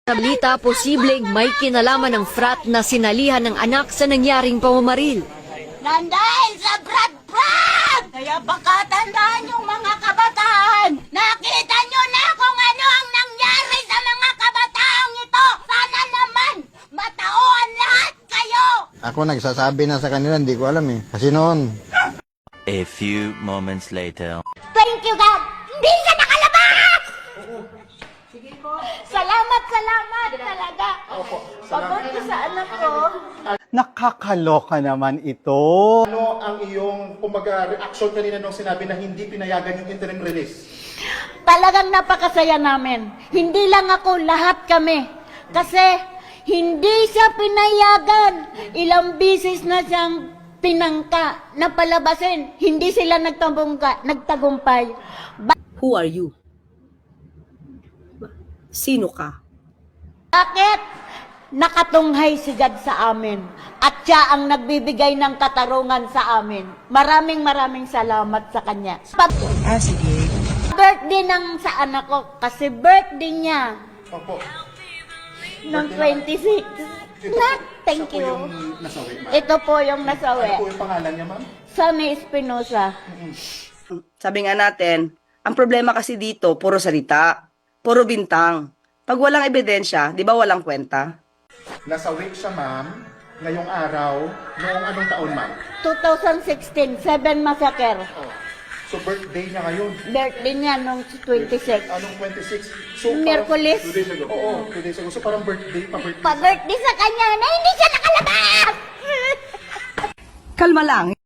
Nabalita, posibleng may kinalaman ng frat na sinalihan ng anak sa nangyaring pamamaril. Nandahil sa Brad! Kaya baka tandaan yung mga kabataan. Nakita nyo na kung ano ang nangyari sa mga kabataang ito. Sana naman matauhan lahat kayo. Ako nagsasabi na sa kanila, hindi ko alam eh. Kasi noon. A few moments later. Thank you, God. Hindi siya nakalabas! Salamat talaga. Pagod ko sa anak ko. Nakakaloka naman ito. Ano ang iyong, kumbaga, reaction kanina nung sinabi na hindi pinayagan yung interim release? Talagang napakasaya namin. Hindi lang ako, lahat kami. Kasi hindi siya pinayagan. Ilang bisis na siyang pinangka na palabasin. Hindi sila nagtagumpay. Who are you? Sino ka? Bakit? Nakatunghay si God sa amin. At siya ang nagbibigay ng katarungan sa amin. Maraming salamat sa kanya. Sige. Birthday ng sa anak ko. Kasi birthday niya. Opo. Noong 26. Thank you. Ito po yung nasawi. Ano po yung pangalan niya, ma'am? Sunny Espinosa. Sabi nga natin, ang problema kasi dito, puro salita, puro bintang. Pag walang ebidensya, di ba walang kwenta? Nasa wake siya, ma'am, ngayong araw, noong anong taon, ma'am? 2016, 7 massacre. Oh. So, birthday niya ngayon. Birthday niya nung 26. Anong 26? So, Miyerkules. 2 days ago. Oo, 2 days ago. So, parang birthday, pa-birthday. Pa-birthday sa kanya na hindi siya nakalabas! Kalma lang.